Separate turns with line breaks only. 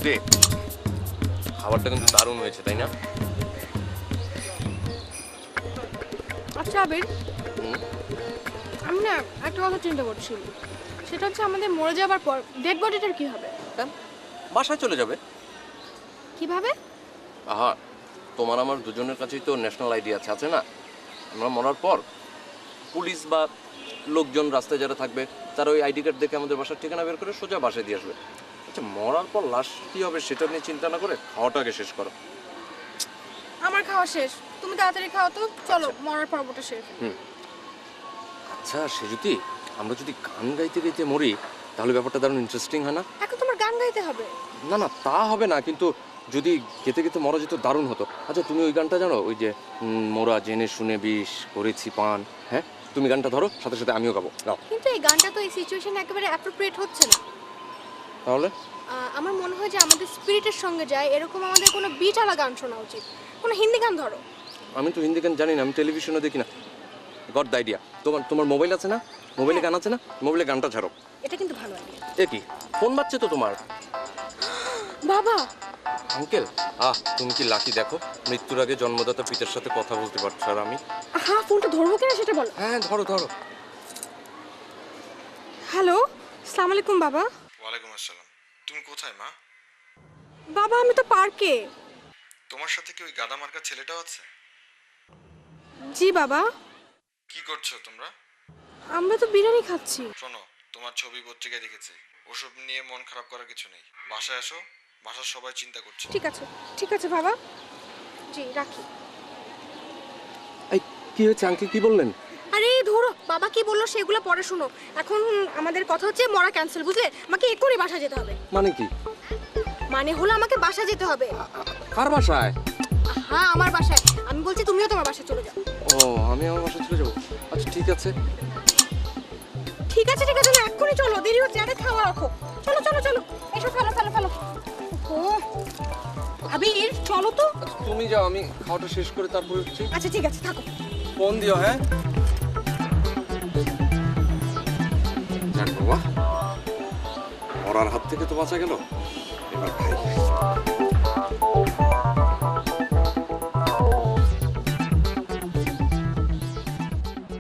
শ্রুতি, খাবারটা কিন্তু দারুণ হয়েছে, তাই না?
আচ্ছা আবির, আমি না একটা কথা চিন্তা করছি। সেটা হচ্ছে আমাদের মরে যাবার পর ডেড বডিটার কি হবে?
বাসায় চলে যাবে।
কিভাবে?
আহা, তোমার আমার দুজনের কাছেই তো ন্যাশনাল আইডি আছে না? আমরা মরার পর পুলিশ বা লোকজন রাস্তায় যারা থাকবে তারা ওই আইডি কার্ড দেখে আমাদের বাসার ঠিকানা বের করে সোজা বাসায় দিয়ে আসবে। আচ্ছা, মরার পর লাশ কি হবে সেটা নিয়ে চিন্তা না করে খাওয়াটা আগে শেষ করো।
আমার খাওয়া শেষ, তুমি তাড়াতাড়ি খাও তো। চলো, মরার পর্বটা শেষ।
আচ্ছা সেজুতি, আমরা যদি গান গাইতে গাইতে মরি তাহলে ব্যাপারটা দারুণ ইন্টারেস্টিং হয় না?
এখন তোমার গান গাইতে হবে?
না না, তা হবে না, কিন্তু যদি গেতে গেতে মরা যেত দারুণ হতো। আচ্ছা তুমি ওই গানটা জানো, ওই যে মোরা জেনে শুনে বিষ করেছি পান? হ্যাঁ, তুমি গানটা ধরো, সাথে সাথে আমিও গাবো। গাও।
কিন্তু এই গানটা তো এই সিচুয়েশনে একেবারে অ্যাপ্রোপ্রিয়েট হচ্ছে না।
তাহলে
আমার মনে হয় যে আমাদের স্পিরিটের সঙ্গে যায় এরকম আমাদের কোনো বিটালা গান শোনা উচিত। কোনো হিন্দি গান ধরো।
আমি তো হিন্দি গান জানি না, আমি টেলিভিশনে দেখি না। গড দ্য আইডিয়া, তোমার মোবাইল আছে না? মোবাইলে গান আছে না? মোবাইলে গানটা ছাড়ো।
এটা কিন্তু ভালো আইডিয়া।
এ কি, ফোন বাজছে তো তোমার?
বাবা!
আঙ্কেল, তুমি কি লাকি দেখো, মৃত্যুর আগে জন্মদাতা পিতার সাথে কথা বলতে পারছো, আর আমি?
হ্যাঁ, ফোনটা ধরবো কিনা সেটা বলো।
হ্যাঁ ধরো ধরো।
হ্যালো, আসসালামু আলাইকুম বাবা।
ওয়ালাইকুম আসসালাম। তুমি কোথায় মা?
বাবা আমি তো পার্কে।
তোমার সাথে কি ওই গাদা মার্কা ছেলেটাও আছে?
জি বাবা।
কি করছো তোমরা?
আমরা তো বিরিয়ানি খাচ্ছি।
শোনো, তোমার ছবি পত্রিকায় দেখেছি। ওসব নিয়ে মন খারাপ করার কিছু নেই। বাসায় আসো, বাসার সবাই চিন্তা করছে।
ঠিক আছে বাবা। জি, রাখি।
এই কি হয়েছে আঙ্কেল, কি বললেন?
আরে ধরো, বাবা কি বললো সেগুলো পরে শুনো। এখন আমাদের কথা হচ্ছে মরা ক্যান্সেল, বুঝলে? আমাকে এক্ষুনি বাসা যেতে হবে।
মানে কি?
মানে হলো আমাকে বাসা যেতে হবে।
কার বাসায়?
হ্যাঁ, আমার বাসায়। আমি বলছি তুমিও তোমার বাসায় চলে যাও।
ও, আমি আমার বাসায় চলে যাবো? আচ্ছা ঠিক আছে।
ঠিক আছে না, এক্ষুনি চলো, দেরি হচ্ছে। আরে খাওয়া রাখো। চলো চলো চলো, এসো, ফেলো। ও আবির, চলো তো।
আচ্ছা, তুমি যাও, আমি খাওয়াটা শেষ করে তারপরে হচ্ছে।
আচ্ছা ঠিক আছে, থাকো।
ফোন দিও, হ্যাঁ? যাক বাবা, মরার হাত থেকে তো বাঁচা গেল। এবার খাই।